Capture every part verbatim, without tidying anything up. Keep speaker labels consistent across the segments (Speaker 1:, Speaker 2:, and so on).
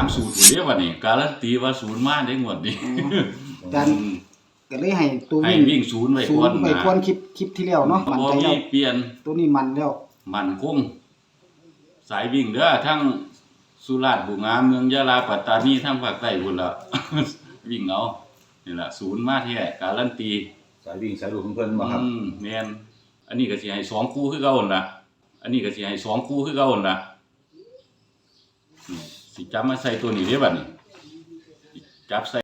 Speaker 1: ามสูตรอยู่เด้วันนี้การันตีว่าศูนย์มาได้งวดนี้
Speaker 2: อาจารย์ก็เลยให้ตัววิ่ง
Speaker 1: ให้วิ่งศูนย์ไว้ก่อนนะ
Speaker 2: ไว้ก่อนคลิปคลิปที่แล้วเนาะมันใจแล้ว
Speaker 1: เปลี่ยน
Speaker 2: ตัวนี้มันแล้ว
Speaker 1: มันคงสายวิ่งเด้อทั้งสุราษฎร์บุงามเมืองยะลาปัตตานีทั้งภาคใต้พุ่นละวิ่งเอานี่ล่ะศูนย์มาแท้การันตี
Speaker 3: สายวิ่งสายลูกของเพิ่นบ่ครับ
Speaker 1: อืมแม่นอันนี้ก็สิให้สองคู่คือเก่าหั่นล่ะอันนี้ก็สิให้สองคู่คือเก่าหั่นล่ะสิจับมาใส่ตัวนี้เด้บัดนี้จับใส่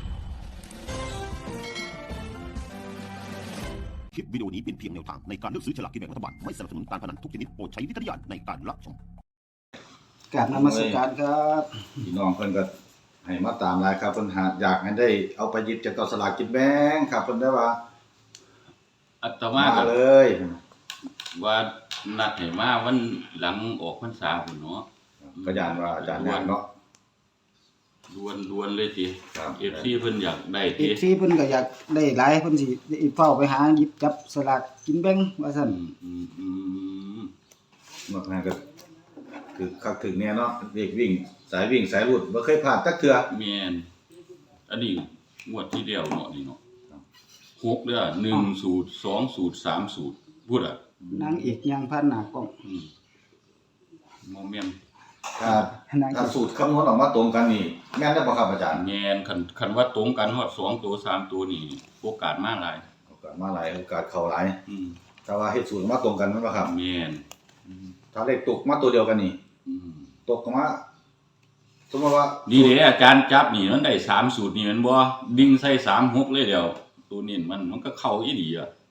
Speaker 4: คลิปวิดีโอนี้เป็นเพียงแนวทางในการเลือกซื้อฉลากกินแบ่งรัฐบาลไม่สนับสนุนการพนันทุกชนิดโปรดใช้วิจารณญาณในการรับชม
Speaker 2: กราบนมัสการครับ
Speaker 3: พี่น้องเพิ่นก็ให้มาตามหลายครับเพิ่นหาอยากให้ได้เอาไปหยิบจากสลากกินแบ่งครับเพิ่นได้ว่า
Speaker 1: อาตมาก็
Speaker 3: เลย
Speaker 1: ว่านัดให้มาวันหลังออกพรรษาพุ่นเนาะ
Speaker 3: ก็ย่านว่าอาจารย์งานเนาะ
Speaker 1: ดวนๆเลยติ เอฟ ซี เพิ่นอยากได้ติ
Speaker 2: เอฟ ซี เพิ่นก็อยากได้หลายเพิ่นสิเฝ้าไปหาหยิบจับสลากกินแบ่งว่าซั่น
Speaker 1: อืม
Speaker 3: ๆนอกนั้นก็คือคักถึงแน่เนาะเด็กวิ่งสายวิ่งสายรูดบ่เคยพลาดจักเทื่อ
Speaker 1: แม่นอันนี้งวดที่แล้วเนาะนี่เนาะหกเด้อหนึ่งสูตรสองสูตรสามสูตรพูดอ่ะ
Speaker 2: นางเอกยังพันหน้ากล้อง
Speaker 1: อืมบ่แม่น
Speaker 3: ถ้าถ้าสูตรคำนวณออกมาตรงกันนี่แม่นได้บ่ครับอาจารย์
Speaker 1: แม่นคันคันว่าตรงกันฮอดสองตัวสามตัวนี่โอกาสมาหลาย
Speaker 3: โอกาสมาหลายโอกาสเข้าหลาย
Speaker 1: อืม
Speaker 3: แต่ว่าเฮ็ดสูตรมาตรงกันแม่นบ่ครับ
Speaker 1: แม่น
Speaker 3: ถ้าเลขตกมาตัวเดียวกันนี่
Speaker 1: อืม
Speaker 3: ตกมาสมมุติว่า
Speaker 1: นี่เด้อาจารย์จับนี่มันได้สามสูตรนี่แม่นบ่ดิ่งใส่สาม หกเลยเดียวตัวนี้มันมันก็เข้าอีหลีอ่ะ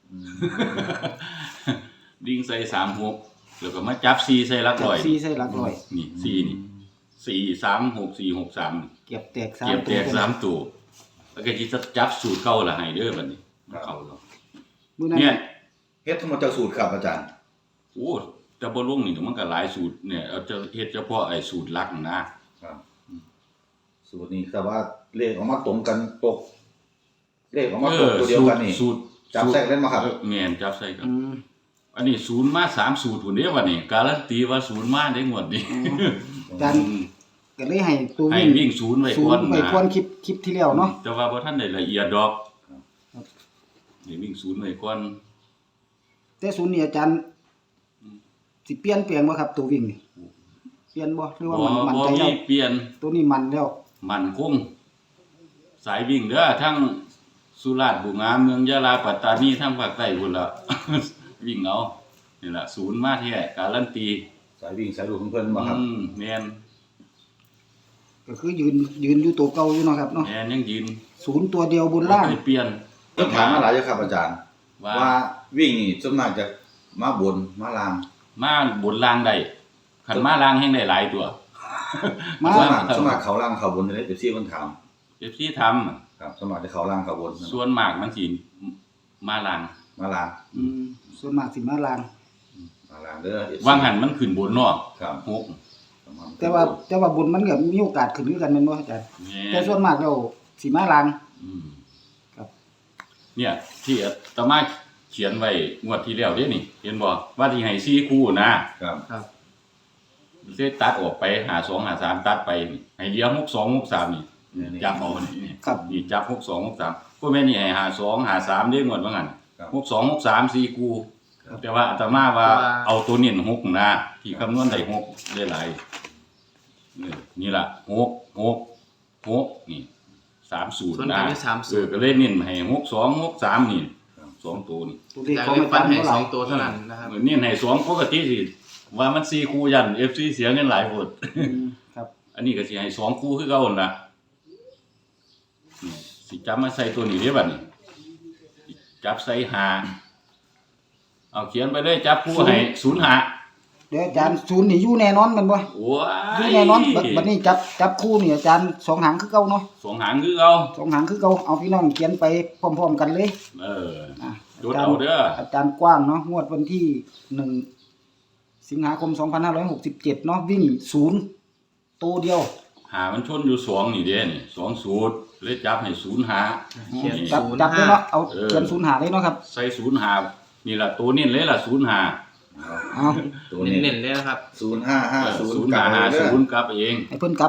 Speaker 1: ดิ่งใส่สาม หกแล้วก็มาจับสี่ใส่หลักร้อย
Speaker 2: สี่ใส่หลักร้อย
Speaker 1: นี่สี่นี่สี่ สาม หก สี่ หก สาม
Speaker 2: เก็บแตกสาม
Speaker 1: เก็บแตกสามตัวแล้วก็สิจับสูตรเก่าล่ะให้เด้อบัดนี้เข้าแล้วเนี่ย
Speaker 3: เฮ็ดทั้งหมดจากสูตรครับอาจารย์
Speaker 1: โอ้แต่บ่ลงนี่มันก็หลายสูตรเนี่ยเอาจะเฮ็ดเฉพาะไอ้สูตรหลักนะครับ
Speaker 3: สูตรนี้แต่ว่าเลขออกมาตรงกันตกเลขออกมาตรงตัวเดียวกันนี่
Speaker 1: สูตร
Speaker 3: จับใส่กันบ่ครับ
Speaker 1: แม่นจับใส่กันอันนี้ศูนย์มาสามสูตรพุ่นเด้บัดนี้การันตีว่าศูนย์มาได้งวดนี้
Speaker 2: อาจารย์ก็เลยให้ตัว
Speaker 1: วิ่งให้วิ่งศูนย์ไว้ก่อน
Speaker 2: นะไว้ก่อนคลิปคลิปที่แล้วเนาะ
Speaker 1: แต่ว่าบ่ทันได้ละเอียดดอกให้วิ่งศูนย์ไว้ก่อน
Speaker 2: แต่ศูนย์นี่อาจารย์สิเปลี่ยนแปลงบ่ครับตัววิ่งนี่เปลี่ยนบ่หรือว่ามันมันใจแล้ว
Speaker 1: เปลี่ยน
Speaker 2: ตัวนี้มันแล้ว
Speaker 1: มันคงสายวิ่งเด้อทั้งสุราษฎร์บุงามเมืองยะลาปัตตานีทั้งภาคใต้พุ่นละวิ่งเอานี่ล่ะศูนย์มาแท้การันตี
Speaker 3: สายวิ่งสายลูกของเพิ่นบ่ครับ
Speaker 1: อืมแม่น
Speaker 2: ก็คือยืนยืนอยู่ตัวเก่าอยู่เนาะครับเนาะ
Speaker 1: แม่นยังยืน
Speaker 2: ศูนย์ตัวเดียวบนล่าง
Speaker 1: ไม่เปลี่ยน
Speaker 3: ต้องถามมาหลายอยู่ครับอาจารย์ว่าวิ่งนี่ส่วนมากจะมาบนมาล่าง
Speaker 1: มาบนล่างได้คันมาล่างแห่งได้หลายตัว
Speaker 3: มาส่วนมากส่วนมากเขาล่างเขาบนได้ เอฟ ซี เพิ่นถาม
Speaker 1: เอฟ ซี ทำ
Speaker 3: ครับส่วนมากจะเขาล่างเขาบน
Speaker 1: ส่วนมากมันสิมาล่าง
Speaker 3: มาล่าง
Speaker 2: อืมส่วนมากสิมาล่าง
Speaker 3: มาล่างเด้อ
Speaker 1: วางหันมันขึ้นบนเนาะ
Speaker 3: ครับ
Speaker 1: หก
Speaker 2: แต่ว่าแต่ว่าบนมันก็มีโอกาสขึ้นคือกันแม่นบ่อาจารย์แต่ส่วนมากแล้วสิมาล่าง
Speaker 1: อืมครับเนี่ยที่อาตมาเขียนไว้งวดที่แล้วเด้นี่เห็นบ่ว่าที่ให้สี่คู่นะครับครับสิตัดออกไปห้าสอง ห้าสามตัดไปให้เหลือหกสอง หกสามนี่จับเอานี่ครับนี่จับหกสอง หกสามก็แม่นนี่ให้ห้าสอง ห้าสามเด้งวดว่างั้นหกสอง หกสาม สี่คู่แต่ว่าอาตมาว่าเอาตัวเน้นหกนะที่คำนวณได้หกได้หลายนี่ล่ะหก หก หกนี่สามสูตรนะเออก็เลยเน้นให้หกสอง หกสามนี่สองตัวนี่
Speaker 5: ตัวเลขของอาจารย์ให้สองตัวเท่านั้นนะครับ
Speaker 1: เน้นให้สองปกติสิว่ามันสี่คู่ยัน เอฟ ซี เสียเงินหลายโพด
Speaker 2: ครับ
Speaker 1: อันนี้ก็สิให้สองคู่คือเก่านั่นล่ะนี่สิจับมาใส่ตัวนี้เด้บัดนี้จับใส่ห้าเอาเขียนไปเลยจับคู่ให้ศูนย์ ห้า
Speaker 2: เดี๋ยวอาจารย์ศูนย์นี่อยู่แน่นอนแม่นบ่
Speaker 1: โอ้ย
Speaker 2: อยู่แน่นอนบัดนี้จับจับคู่นี่อาจารย์สองหางคือเก่าเนาะ
Speaker 1: สองหางคือเก่า
Speaker 2: สองหางคือเก่าเอาพี่น้องเขียนไปพร้อมๆกันเลย
Speaker 1: เออจดเอาเด้อ
Speaker 2: อาจารย์กว้างเนาะงวดวันที่หนึ่งสิงหาคมสองพันห้าร้อยหกสิบเจ็ดเนาะวิ่งศูนย์ตัวเดียว
Speaker 1: หามันชนอยู่สองนี่เด้นี่สองสูตรเลยจับให้ศูนย์หา
Speaker 2: จับจับเลยเนาะเอาเขียนศูนย์หาเลยเนาะครับ
Speaker 1: ใส่ศูนย์หานี่ล่ะตัวนี้เลยล่ะศูนย์หา
Speaker 5: เอาตัวเน้นๆเลยนะครับ
Speaker 3: ศูนย์ห้าห้าศูนย์
Speaker 1: ศูนย์ห้าห้าศูนย์กลับเอง
Speaker 2: ให้เพิ่นกลับเอา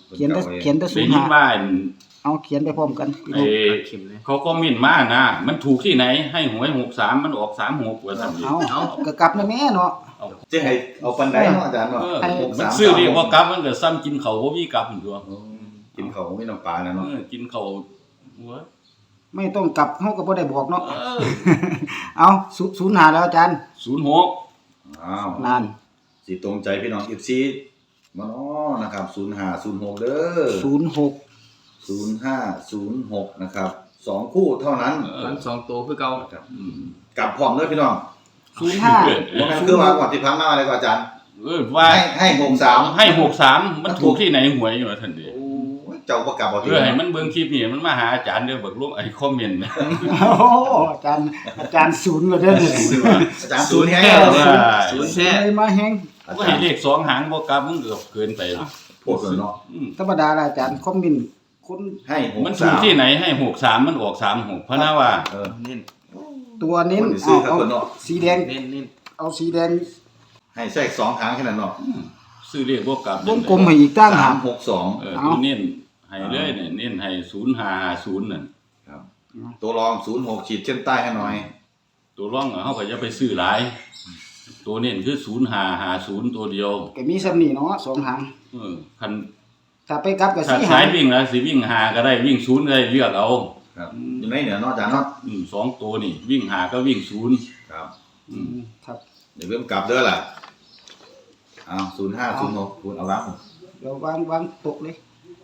Speaker 2: เขียนแต่เขียนแต่ศู
Speaker 1: ได้
Speaker 2: นย์
Speaker 1: ยิ
Speaker 2: ห้าน
Speaker 1: ว่าอัน
Speaker 2: เอาเขียนไปพร้อมกันพี่น้
Speaker 1: ไอ้
Speaker 2: อง
Speaker 5: เข็มเลย
Speaker 1: เขาก็มินมานะมันถูกที่ไหนให้หวยหกสามมันออกสามหกว่าซั่นดิ
Speaker 2: เอาก็กลับนะแม่เนาะ
Speaker 3: จะให้เอาปันไดเนาะอาจารย์เนาะ
Speaker 1: เออ
Speaker 3: หก
Speaker 1: มัน
Speaker 3: สาม
Speaker 1: ซื้อเรียกว่ากลับมันก็ซ้ำกินเขาวบ่มีกลับหั่นตัว
Speaker 3: อืมกินเขาไม่น้ำปลานะ
Speaker 1: เอ
Speaker 3: เนาะ
Speaker 1: อกินเขาวหัว
Speaker 2: ไม่ต้องกลับเฮาก็บ่ได้บอกเนาะ
Speaker 1: เออ
Speaker 2: เอาศูนย์ห้าแล้วอาจารย์
Speaker 1: ศูนย์หก
Speaker 3: อ้าว
Speaker 2: นาน
Speaker 3: สิตรงใจพี่น้อง เอฟ ซี มาเนาะนะครับศูนย์ห้า ศูนย์หกเด้อ
Speaker 2: ศูนย์หก
Speaker 3: ศูนย์ห้า ศูนย์หกนะครับสองคู่เท่านั้น
Speaker 5: ฟันสองตัวคือเก่า
Speaker 3: ครับ
Speaker 1: อืม
Speaker 3: กลับพร้อมเด้อพี่น้อง
Speaker 2: ศูนย์ห้า
Speaker 3: บ่แม่นคือว่าก่อนที่พันมาอะไรกว่าอาจารย์
Speaker 1: เออว่า
Speaker 3: ให้ให้หกสาม
Speaker 1: ให้หกสามมันถูกที่ไหนหวยอยู่ว่าซั่นดิ
Speaker 3: โอ้ยเจ้าบ่กลับบ่
Speaker 1: เอ
Speaker 3: ที่
Speaker 1: อให้มันเบิ่งคลิปนี่มันมาหาอาจารย์เด้อเบิกลงไอ้คอมเมนต์นะ
Speaker 2: โอ้โหอาจารย์อาจารย์ศูนย์เลยเด้อเนี่ย
Speaker 3: อาจารย์ศูนย์แห้ง
Speaker 1: ศู
Speaker 3: แล้ว
Speaker 1: นย์
Speaker 5: ศูนย์แท้
Speaker 2: เลยมาแฮง
Speaker 3: อา
Speaker 1: ก็
Speaker 3: จา
Speaker 1: ให้
Speaker 3: รย์
Speaker 1: เลขสองหางบ่กลับมันก็เกินไปแล้ว
Speaker 3: พูดเลยเนาะ
Speaker 1: อืม
Speaker 2: ธรรมดาล่ะอาจารย์คอมเมนต์คน
Speaker 3: ให้หก
Speaker 1: มัน
Speaker 3: สา
Speaker 1: ถูก
Speaker 3: ม
Speaker 1: ที่ไหนให้หกสามมันออกสามหกพะนะว่า
Speaker 3: เออ
Speaker 5: เน้น
Speaker 2: ตัวเน้น
Speaker 3: คนที่ซื้
Speaker 2: เอา
Speaker 3: อครับ
Speaker 2: เอา
Speaker 3: เพิ่นเนาะ
Speaker 2: สีแดง
Speaker 5: เน้นเน้น
Speaker 2: เอาสีแดง
Speaker 3: ให้แทรกสองครั้งแค่นั้นเนาะ
Speaker 1: ซื้อเลขบ่กลับ
Speaker 2: วงกลมให้อีกตั้ง
Speaker 3: สา
Speaker 2: หาม
Speaker 3: หกสอง
Speaker 1: เออตัวเน้นให้เลยเนี่ยเน้นให้ศูนย์ห้าศูนย์นั่น
Speaker 3: ครับตัวรองศูนย์หกขีดเส้นใต้ให้หน่อย
Speaker 1: ตัวร่องอะเฮาก็อย่าไปซื้อหลาย ตัวเน้นคือศูนย์ห้าห้าศูนย์ตัวเดียว
Speaker 2: ก็มีสำนีเนาะสองหาง
Speaker 1: เออคัน
Speaker 2: ถ้าไปกลับกับ
Speaker 1: ถ้า
Speaker 2: สี
Speaker 1: สา
Speaker 2: หาย ง
Speaker 1: วิ่งแล้วสิวิ่งหาก็ได้วิ่งศูนย์ก็ได้เลือกเอา
Speaker 3: ครับอยู่ในเหนือเนอกจากเนาะ
Speaker 1: อืมสองตัวนี่วิ่งหาก็วิ่งศูนย์
Speaker 3: ครับ
Speaker 1: อื
Speaker 2: อื
Speaker 1: ม
Speaker 2: มครับ
Speaker 3: เดี๋ยวเริ่มกลับเด้อล่ะอ้าวศูนย์ห้าศูนย์หกคุณเอารับ
Speaker 2: เดี๋ยววางวางโต๊ะเลย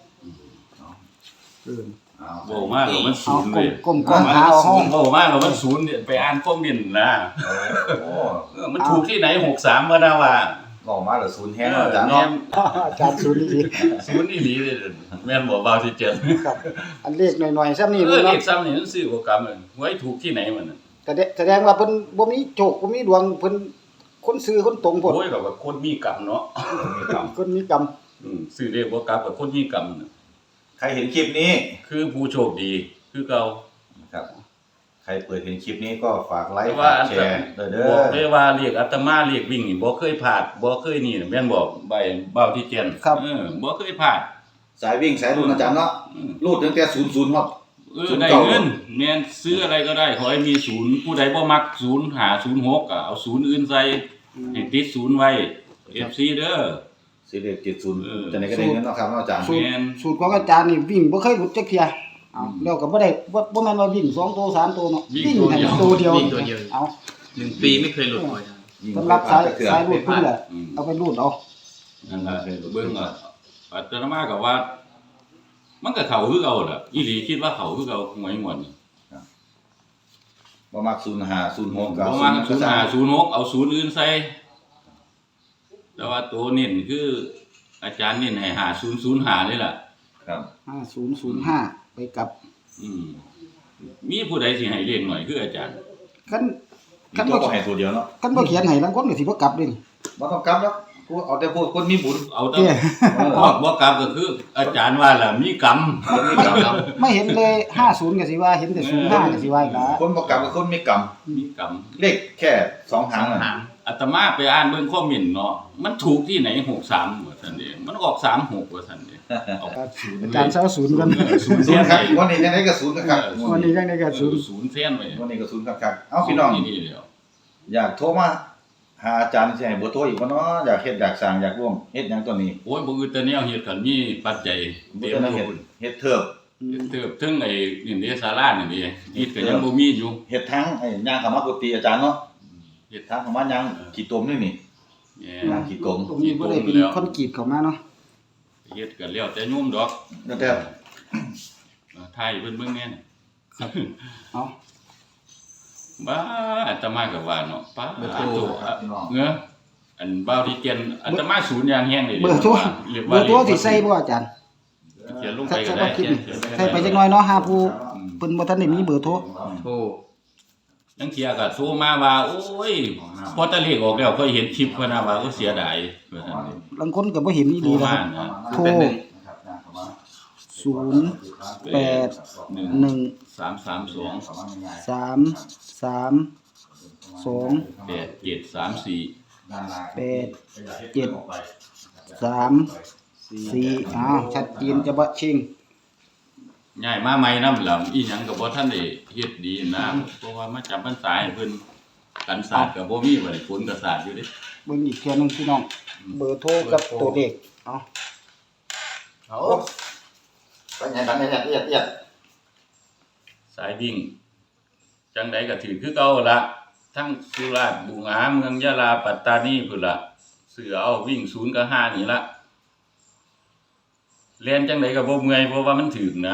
Speaker 2: เออ
Speaker 3: อ้าว
Speaker 1: โว้มากกว่ามันศู
Speaker 2: เอา
Speaker 1: นย์
Speaker 2: กล
Speaker 1: เว้
Speaker 2: ม
Speaker 1: ย
Speaker 2: กลมกลมหาเอาห้อง
Speaker 1: โว้มากกว่ามันศูนย์เนี่ยไปอ่านคอมเมนต์นะ
Speaker 3: โอ้
Speaker 1: เออมันถูกที่ไหนหกสามก็ได้ว่า
Speaker 3: หล่อมากเหรอศูนย์แห้งเนาะอาจารย์เนาะ
Speaker 2: อาจารย์ศูนย์นี่
Speaker 1: ศูนย์นี่หลีเลยแม่นบอกเบาที่เจ็ด
Speaker 2: ครับอันเลขหน่อยๆซ้ำนี่
Speaker 1: เออเล
Speaker 2: เนาะ
Speaker 1: ขซ้ำนี่มันซื้อบ่กรรมเลยไว้ถูกที่ไหนมันน่ะ
Speaker 2: แสดงแสดงว่าเพิ่นบ่มีโชคบ่มีดวงเพิ่นคนซื้อคนตรงพุ่น
Speaker 1: โอ้ยก็ว่าคนมีกรรมเนาะ
Speaker 2: คนมีกรรม
Speaker 1: อืมซื้อเลขบ่กรรมกับคนมีกรรมน่ะ
Speaker 3: ใครเห็นคลิปนี้
Speaker 1: คือผู้โชคดีคือเก่า
Speaker 3: ครับใครเปิดเห็นคลิปนี้ก็ฝากไล
Speaker 1: แต่
Speaker 3: ค์
Speaker 1: ว่า
Speaker 3: ฝาก
Speaker 1: อัน
Speaker 3: แช
Speaker 1: ต
Speaker 3: ร์เด้อเด้
Speaker 1: บอก
Speaker 3: อ
Speaker 1: เลยว่าเรียกอาตมาเรียกวิ่งนี่บ่เคยพลาดบ่เคยนี่น่ะแม่นบอกใบเบาที่เจนเออบ่เคยพลาด
Speaker 3: สายวิ่งสายรุ่นอาจารย์เนาะ
Speaker 1: อืม
Speaker 3: รูดตั้งแต่ศูนย์ศูนย์ฮอด
Speaker 1: เออ
Speaker 3: ศูนย์
Speaker 1: ได้
Speaker 3: เก้า
Speaker 1: เงินแม่นซื้ออะไรก็ได้ขอให้มีศูนย์ผู้ใดบ่มักศูนย์หาศูนย์หกก็เอาศูนย์อื่นใส่ให้ติดศูนย์ไว้ เอฟ ซี เด้อ
Speaker 3: สิเลขเจ็ดศูนย์
Speaker 1: เออ
Speaker 3: จะไหนก็ได้เงินเนาะครับเนาะอาจารย์
Speaker 2: สูตร
Speaker 1: แม่น
Speaker 2: สูตรของอาจารย์นี่วิ่งบ่เคยหลุดจักเที่ยเอาแล้วก็บ่ได้บ่บ่แม่นว่าวิ่งสองตัวสามตัวเนาะวิ่งให้ตัวเดียว
Speaker 5: วิ่งตัวเดียว
Speaker 2: เอา
Speaker 5: หนึ่งปีไม่เคยหลุดเลยนะ
Speaker 3: ยิ่ง
Speaker 2: สำหรับสาย
Speaker 3: เถื่อน
Speaker 2: สายรูดเพิ่นแหละ
Speaker 1: อืม
Speaker 2: เอาไปรูดเอา
Speaker 1: นั่นล่ะเบิ่งอ่ะอาตมาก็ว่า มันก็เข้าคือเก่าล่ะอีหลีคิดว่าเข้าคือเก่าหวยงวดนี่
Speaker 3: บ่มักศูนย์ห้าศูนย์หก
Speaker 1: ป
Speaker 3: กับ
Speaker 1: ระมาณศูนย์ห้าศูนย์หกเอาศูนย์อื่นใส่แต่ว่าตัวเน้นคือ อาจารย์เน้นให้หาศูนย์ศูนย์หาเลยล่ะ
Speaker 3: ครับ
Speaker 2: ห้าศูนย์ศูนย์ห้าไปกลับ
Speaker 1: อืมมีผู้ใดสิให้เลขหน่อยคืออาจารย์
Speaker 2: คัน
Speaker 3: มี
Speaker 2: คัน
Speaker 3: ตัว
Speaker 2: บ่
Speaker 3: บ่ให้ตัวเดียวเนาะ
Speaker 2: คันบ่เขียนให้ลางคนก็สิบ่กลับเด้นี่
Speaker 3: บ่ต้องกลับแล้วกูเอาแต่พวกคนมีบุญ
Speaker 1: เอาแต่
Speaker 2: เด้
Speaker 1: บ่บ่กลับก็คือ อาจารย์ว่าล่ะมีกรรม
Speaker 3: คนมีกรรม
Speaker 2: ไม่เห็นเลยห้าสิบก็สิว่าเห็นแต่ศูนย์ห้าก็สิว่าอีกละ
Speaker 3: คนบ่กลับกับคนมีกรรม
Speaker 1: มีกรรม
Speaker 3: เลขแค่สองหางน่ะ
Speaker 5: หาง
Speaker 1: อาตมาไปอ่านเบิ่งคอมเมนต์เนาะมันถูกที่ไหนหกสามว่าซั่นเด้มันออกสามหกว่าซั่นเด้เอาศูนย์
Speaker 2: อาจารย์เซาศูนย์กัน
Speaker 1: เออศูนย์
Speaker 3: ศู
Speaker 1: แท่
Speaker 3: น
Speaker 1: น
Speaker 3: ย์ค
Speaker 1: ไว้
Speaker 3: รับวันนี้จังได๋ก็ศูนย์ครับ
Speaker 2: วันนี้ยังได้ก็
Speaker 1: เอ
Speaker 2: ศูน
Speaker 1: อ
Speaker 2: ย์
Speaker 1: ศูนย์แท่นไว้
Speaker 3: วันนี้ก็ศูนย์ครับๆเอ้าพี่น้อง
Speaker 1: นี่เดียว
Speaker 3: อยากโทรมาหาอาจารย์สิให้เบอร์โทรอีกบ่เนาะอยากเฮ็ดอยากสร้างอยากร่วมเฮ็ดหยังตัวนี้
Speaker 1: โอ้ยบ่อื่นแต่แนวเฮ็ดกันมีปัจจัย
Speaker 3: บ่
Speaker 1: เตรีย
Speaker 3: ได้
Speaker 1: ม
Speaker 3: เฮ็ด
Speaker 1: ทุน
Speaker 3: เฮ็ดเทิบ
Speaker 1: เติบถึงไอ้นี่เด้ศาลานี่เด้อีกก็ยังบ่มีอยู่
Speaker 3: เฮ็ดทั้งไอ้ย่างเข้ามากุฏิอาจารย์เนาะ
Speaker 1: เฮ็ด
Speaker 3: ทางเข้ามาย่างขี้ตมนี่นี่
Speaker 1: แห
Speaker 3: ย่าง
Speaker 1: ม
Speaker 3: ขี้ตม
Speaker 2: ตรงนี้บ่ได้เป็นคอนกรีตเข้ามาเนาะ
Speaker 1: เฮ็ดกันแล้วแต่โยมดอก
Speaker 3: แล้วแต่
Speaker 1: เออไทยเพิ่นเบิ่งแน่น
Speaker 2: เอา
Speaker 1: บ้าอาตมาก็ว่าเนาะป้า
Speaker 5: เบอร์โทร
Speaker 1: โตอะเงอะอันบ่าวที่เตียนอาตมาศูนย์อย่างแฮงเลย
Speaker 2: เบอร์โทร
Speaker 1: เรียก
Speaker 2: เบ
Speaker 1: ว่า
Speaker 2: อร์โทรสิใส่บ่อาจารย์
Speaker 1: เขียนลง
Speaker 2: ใส่
Speaker 1: ไปก็
Speaker 2: ใส่
Speaker 1: ได้
Speaker 2: บ่คิด
Speaker 1: เขียน
Speaker 2: ใส่ไปจักหน่อยเนาะหาผู้เพิ่นบ่ทันได้มีเบอร์โทร
Speaker 5: โทร
Speaker 1: จังเที่ยก็โทรมาว่าโอ้ยพอตะเลขออกแล้วค่อยเห็นคลิปเพิ่นน่ะว่าโอ้เสียดายว่าซั่นเด้
Speaker 2: บางคนก็บ่เห็นอีห
Speaker 1: โทร
Speaker 2: ลีนะ
Speaker 1: มา
Speaker 2: ครับ
Speaker 1: นะ
Speaker 2: โทร
Speaker 5: เป็นหนึ่ง
Speaker 2: ศูนย์ แปด
Speaker 1: หนึ่ง
Speaker 2: หนึ่ง
Speaker 1: สามสามสอง
Speaker 2: สามสามสอง
Speaker 1: แปดเจ็ดสามสี่
Speaker 2: แปดเจ็ดสามสสี่อ้าวชัดเจนจะบะชิง
Speaker 1: ย้ายมาใหม่นำล่ะอีหยังก็บ่ทันได้เฮ็ดดีนะเพราะว่ามาจำพรรษาให้เพิ่นกันศาสตร์ก็บ่มีบ่ได้ฝนก็ศาสตร์อยู่เด้
Speaker 2: เบิ่งอีกเทื่อหนึงพี่น้อง เบอร์โทรกับตัวเลขเอา
Speaker 3: เอาไปไงบันเนี่ยเอียดเอียด
Speaker 1: สายวิ่งจังใดก็ถือคือเก่าละทั้งสุราษฎร์บุงหาเมืองยะลาปัตตานีพุ่นละเสือเอาวิ่งศูนย์กับห้านี่ละเรียนจังใดก็บ่เมื่อยเพราะว่ามันถึงนะ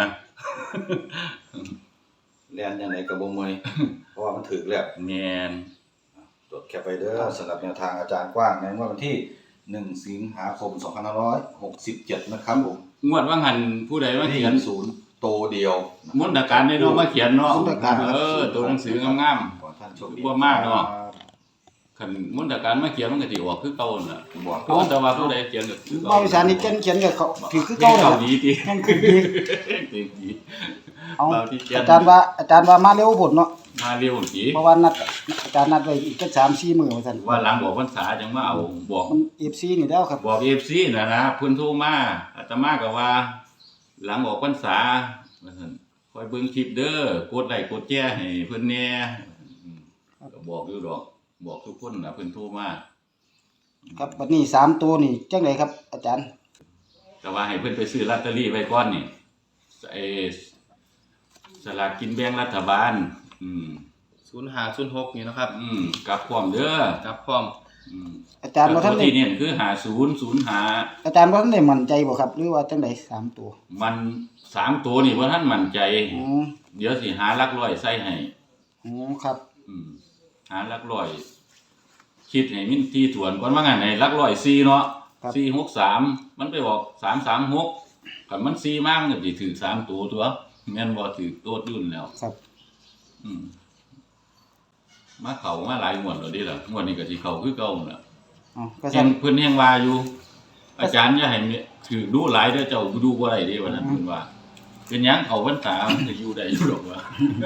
Speaker 3: เรียนยังไงกับบ่มวยเพราะว่ามันถึกแล้ว
Speaker 1: แม่น
Speaker 3: จดแคปไปเด้อสำหรับแนวทางอาจารย์กว้างในงวดวันที่หนึ่งสิงหาคมสองพันห้าร้อยหกสิบเจ็ดนะครับผม
Speaker 1: งวดว่าหันผู้ใดมาเขียน
Speaker 3: ศูนย์โตเดียว
Speaker 1: มนตการได้เนาะมาเขียนเนาะ
Speaker 2: มนตการ
Speaker 1: เออตัวหนังสืองาม
Speaker 3: ขอท่านโชคดี
Speaker 1: บ่มากเนาะ ๆคันมนตการมาเขียนมันก็สิออกคือเก่านั่นล่ะ
Speaker 3: บอก
Speaker 1: เพราะว่าแต่ว่าผู้ใดเขียนก็คือเก่า
Speaker 2: บ่าวอีสานนี่เขียนเขียนกับเขาถือคือเก่า
Speaker 1: เก่า
Speaker 2: น่ะ
Speaker 1: ดีติ
Speaker 2: ยังคือดี
Speaker 1: ดีดี
Speaker 2: เอา
Speaker 1: เบาที่เขียน
Speaker 2: อาจารย์ว่าอาจารย์ว่ามาเร็วพุ่นเนาะ
Speaker 1: มาเร็วสิ
Speaker 2: เพราะว่านัดอาจารย์นัดไว้อีกแค่สามสี่มื้อว่าซั่น
Speaker 1: ว่าหลังบอกพรรษาจังมาเอาบอก
Speaker 2: มัน เอฟ ซี นี่แล้วครับ
Speaker 1: บอก เอฟ ซี น่ะนะเพิ่นโทรมาอาตมาก็ว่า หลังออกพรรษาว่าซั่นคอยเบิ่งคลิปเด้อกดไลค์กดแชร์ให้เพิ่นแหน่อืมก็บอกอยู่ดอก บอกทุกคนน่ะเพิ่นโทรมา
Speaker 2: ครับบัดนี้สามตัวนี่จังไดครับ อาจารย์
Speaker 1: ก็ว่าให้เพิ่นไปซื้อลอตเตอรี่ไว้ก่อนนี่ไอ้สลากกินแบ่งรัฐบาล อืม
Speaker 5: ศูนย์ห้าศูนย์หกนี่เนาะครับ
Speaker 1: อืมกลับพร้อมเด้อ
Speaker 5: กับพร้อม
Speaker 1: อืม
Speaker 2: อาจารย์บ่ทัน
Speaker 1: ตัว
Speaker 2: ได้
Speaker 1: ที่เนี่ยคือห้าศูนย์ ศูนย์ห้า
Speaker 2: อาจารย์บ่ทันได้มั่นใจบ่ครับ หรือว่าจังไดสามตัว
Speaker 1: มันสามตัวนี่บ่ทันมั่นใจ
Speaker 2: อ๋อ
Speaker 1: เดี๋ยวสิหาหลักร้อยใส่ให้
Speaker 2: อ๋อครับ
Speaker 1: อืมหาหลักร้อย คิดให้มินที่ถวนก่อนว่างั้นให้หลักร้อยสี่เนาะ
Speaker 2: ครับ
Speaker 1: สี่หกสามมันไปบอกสามสามหกคันมันสี่มากมันก็สิถือสามตัวตัวแม่นบ่ถือโตดยุ่นแล้ว
Speaker 2: ครับ
Speaker 1: อืมมาเข้ามาหลายงวดแล้วเดิล่ะงวดนี้ก็สิเข้าคือเก่านั่นล่ะ
Speaker 2: อ๋อก็
Speaker 1: เห็
Speaker 2: ซั่
Speaker 1: น
Speaker 2: น
Speaker 1: เพิ่นแฮงว่าอยู่ อาจารย์อย่าให้มีถือดูหลายเด้อเจ้าดูบ่ได้เด้ว่านั้นเพิ่นว่า เป็นหยังเขาพรรษามันก็อยู่ได้อยู่ดอกว่า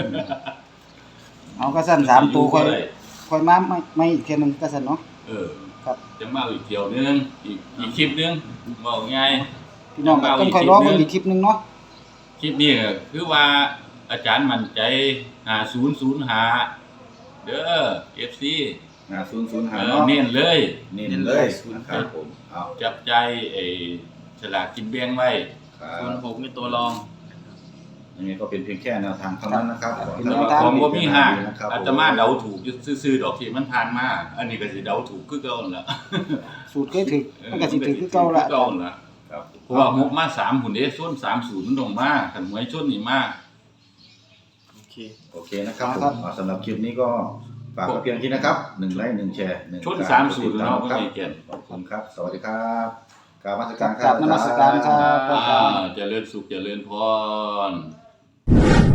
Speaker 2: เอาก็ซั่นสามตัวค่อย
Speaker 1: ได้
Speaker 2: ค่อยมาไม่ไม่อีกเทื่อหนึงก็ซั่นเนาะ
Speaker 1: เออ
Speaker 2: ครับ
Speaker 1: จะมาอีกเที่ยวนึงอีกอีกคลิปนึงเว้าง่าย
Speaker 2: พี่น้องก็ต้องค่อยรอเบิ่งอีกคลิปหนึงเนาะ
Speaker 1: คลิปนี้ก็คือว่าอาจารย์มั่นใจห้าศูนย์ ศูนย์ห้าเด้อ เอฟ ซี
Speaker 3: อ่าศูนย์ศูนย์
Speaker 1: เอ
Speaker 3: หา
Speaker 1: อ
Speaker 3: เนาะ
Speaker 1: เน้นเลย
Speaker 3: เน้นเลยนะครับผมเอา
Speaker 1: จับใจไอ้ฉลากกินแบ่งไว้
Speaker 3: ครั
Speaker 5: ศูน
Speaker 3: บ
Speaker 5: ย์หกนี่ตัวรอง
Speaker 3: ยังไงก็เป็นเพียงแค่แนวทางเท่านั้นนะครับขอให้
Speaker 1: แต่
Speaker 3: ท่าน
Speaker 1: ว่าของบ่มีห้าง
Speaker 3: นะครับ
Speaker 1: อาตมาเดาถูกอยู่ซื่อๆดอกที่มันผ่านมา อันนี้ก็สิเดาถูกคือเก่านั่นล่ะ
Speaker 2: สูตรเคยถึกมันก็สิถึกคือเก่าละ
Speaker 1: คือเก่านั่นล่ะ
Speaker 3: ครับ
Speaker 1: เพราะว่าหกมาสามหุ่นเด้ส้นสามศูนย์มันลงมาคันหวยชนนี่มา
Speaker 5: โอเค
Speaker 3: โอเคนะครับผมอ่าสำหรับคลิปนี้ก็ฝากไว้เพียงที่นะครับหนึ่งไลค์หนึ่งแชร์หนึ่ง
Speaker 1: ชน
Speaker 3: กร
Speaker 1: สามศูนย์
Speaker 3: ติดต
Speaker 1: เนาะ
Speaker 3: ม
Speaker 1: บ่
Speaker 3: ครับ
Speaker 1: มีเกียรติ
Speaker 3: ขอบคุณครับ สวัสดีครับกรารมาส
Speaker 2: ครั
Speaker 3: การ
Speaker 2: บ
Speaker 3: ค
Speaker 2: ก
Speaker 3: รั
Speaker 2: รา
Speaker 3: บบ
Speaker 2: นมัสการครับ
Speaker 1: อ่าเจริญสุขเจริญพร